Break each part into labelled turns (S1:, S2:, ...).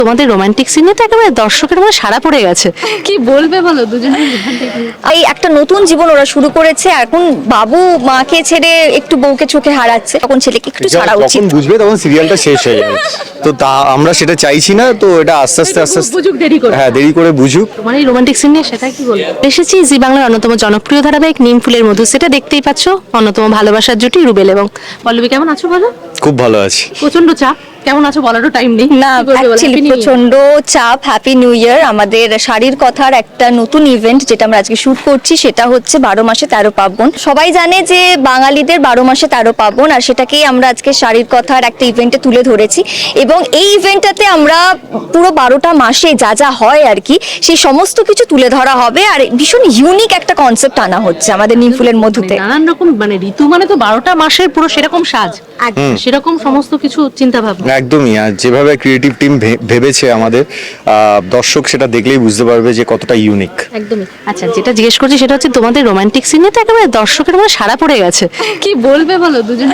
S1: তোমাদের রোমান্টিক সিনে তো একেবারে দর্শকের মনে সাড়া পড়ে গেছে, কি বলবে বলো দুজনের?
S2: এই একটা নতুন জীবন ওরা শুরু করেছে। এখন বাবু মাকে ছেড়ে একটু বউকে চোখে হারাচ্ছে, তখন ছেলেকে একটু ছাড়া উচিত।
S3: যখন বুঝবে তখন সিরিয়ালটা শেষ হয়ে যাবে। তো তা আমরা সেটা চাইছি না, তো এটা আস্তে আস্তে
S1: বুঝুক দেরি করে।
S3: হ্যাঁ, দেরি করে বুঝুক।
S1: তোমার এই রোমান্টিক সিন নিয়ে সেটা কি বলবো? এসেছি জি বাংলার অন্যতম জনপ্রিয় ধারাবাহিক নিম ফুলের মধু, সেটা দেখতেই পাচ্ছ, অন্যতম ভালোবাসার জুটি রুবেল এবং পল্লবী। কেমন আছো বলো?
S3: খুব ভালো আছি।
S1: প্রচন্ড চাপ, কেমন আছো বলারও টাইম নেই।
S2: না, অ্যাকচুয়ালি প্রচন্ড চাপ। Happy new year. আমাদের শাড়ির কথার একটা নতুন ইভেন্ট যেটা আমরা আজকে শুট করছি, সেটা হচ্ছে 12 মাসে 13 পার্বণ। সবাই জানে যে বাঙালিদের 12 মাসে 13 পার্বণ, আর সেটাকেই আমরা আজকে শাড়ির কথার একটা ইভেন্টে তুলে ধরেছি। এবং এই ইভেন্টটাতে আমরা পুরো 12টা মাসে যা যা হয় আর কি, সেই সমস্ত কিছু তুলে ধরা হবে। আর ভীষণ ইউনিক একটা কনসেপ্ট আনা হচ্ছে আমাদের নিম ফুলের মধুতে।
S1: নানান রকম মানে ঋতু মানে তো 12টা মাসের পুরো সেরকম সাজ, সেরকম সমস্ত কিছু চিন্তা ভাবনা।
S3: একদমই। আর যেভাবে ক্রিয়েটিভ টিম ভেবেছে আমাদের, দর্শক সেটা দেখলেই বুঝতে পারবে যে কতটা ইউনিক।
S1: একদমই। আচ্ছা, যেটা জিজ্ঞেস করছি সেটা হচ্ছে তোমাদের রোমান্টিক সিনে তো একেবারে দর্শকের মনে সাড়া পড়ে গেছে, কি বলবে বলো দুজনের?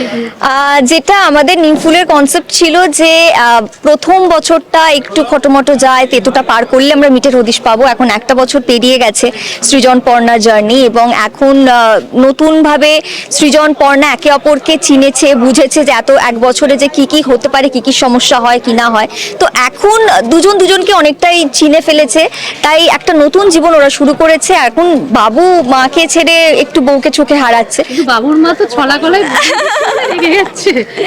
S2: যেটা আমাদের নিম ফুলের কনসেপ্ট ছিল যে প্রথম বছরটা একটু খটোমটো যায়, তেতোটা পার করলে আমরা মিটের হদিশ পাবো। এখন একটা বছর পেরিয়ে গেছে সৃজন পর্ণা জার্নি, এবং এখন নতুনভাবে সৃজন পর্ণা একে অপরকে চিনেছে, বুঝেছে যে এত এক বছরে যে কি কি হতে পারে, কি কি সমস্যা হয় কি না হয়। তো এখন দুজন দুজনকে অনেকটাই চিনে ফেলেছে, তাই একটা নতুন জীবন ওরা শুরু করেছে। এখন বাবু মাকে ছেড়ে একটু বউকে চোখে হারাচ্ছে।
S1: বাবুর মা তো ছলা গলায় রেগে যাচ্ছে।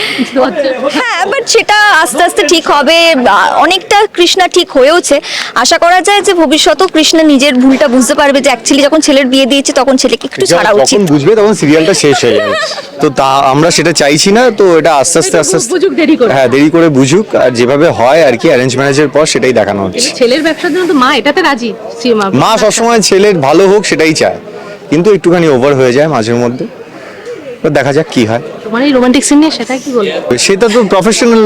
S2: হ্যাঁ, বাট সেটা আস্তে আস্তে ঠিক হবে। অনেকটা কৃষ্ণা ঠিক হয়েওছে। আশা করা যায় যে ভবিষ্যতেও কৃষ্ণা নিজের ভুলটা বুঝতে পারবে, যে অ্যাকচুয়ালি যখন ছেলের বিয়ে দিয়েছে তখন ছেলেকে একটু ছাড়া উচিত।
S3: যখন বুঝবে তখন সিরিয়ালটা শেষ হয়ে যাবে। তো তা আমরা সেটা চাইছি না, তো এটা আস্তে আস্তে
S1: বুঝুক দেরি করে।
S3: হ্যাঁ, দেরি করে বুঝুক। আর যেভাবে হয় আর কি অ্যারেঞ্জ ম্যারেজের পর, সেটাই দেখানো হচ্ছে।
S1: ছেলের ব্যবসার জন্য তো মা এটাতে রাজি।
S3: মা সবসময় ছেলের ভালো হোক সেটাই চায়, কিন্তু একটুখানি ওভার হয়ে যায় মাঝের মধ্যে। তো দেখা যাক কি হয়।
S1: তোমার এই রোমান্টিক সিন নিয়ে সেটা কি বলবো?
S3: সেটা তো প্রফেশনাল,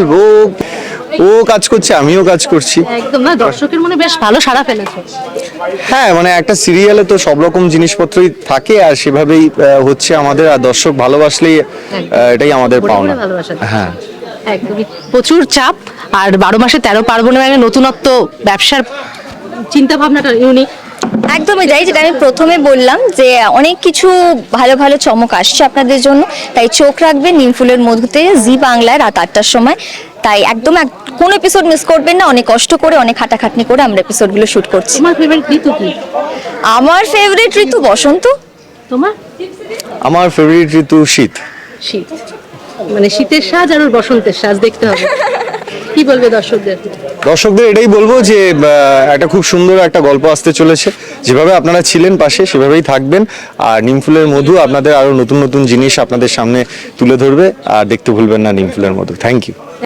S3: ও কাজ করছে, আমিও কাজ করছি।
S1: একদম না, দর্শকের মনে বেশ ভালো সাড়া ফেলেছে।
S3: হ্যাঁ, মানে একটা সিরিয়ালে তো সব রকম জিনিসপত্রই থাকে, আর সেভাবেই হচ্ছে আমাদের। আর দর্শক ভালোবাসলেই এটাই আমাদের পাওনা। হ্যাঁ,
S1: একদমই। প্রচুর চাপ, আর 12 মাসে 13 পার্বণের একটা নতুনত্ব, ব্যবসার চিন্তা ভাবনাটা ইউনিক।
S2: একদমই তাই, যেটা আমি প্রথমে বললাম যে অনেক কিছু ভালো ভালো চমক আসছে আপনাদের জন্য। তাই চোখ রাখবেন নিম ফুলের মধুতে, জি বাংলায় রাত 8টার সময়। তাই একদম কোনো এপিসোড মিস করবেন না। অনেক কষ্ট করে, অনেক খাটাখাটনি করে আমরা এপিসোডগুলো শুট করছি।
S1: তোমার ফেভারিট ঋতু কি?
S2: আমার ফেভারিট ঋতু বসন্ত।
S1: তোমার?
S3: আমার ফেভারিট ঋতু শীত।
S1: শীত মানে শীতের সাজ আর ওর বসন্তের সাজ দেখতে হবে। কি বলবে দর্শকদের?
S3: দর্শকদের এটাই বলবো যে একটা খুব সুন্দর একটা গল্প আসতে চলেছে। যেভাবে আপনারা ছিলেন পাশে, সেভাবেই থাকবেন। আর নিমফুলের মধু আপনাদের আরো নতুন নতুন জিনিস আপনাদের সামনে তুলে ধরবে। আর দেখতে ভুলবেন না নিমফুলের মধু। Thank you.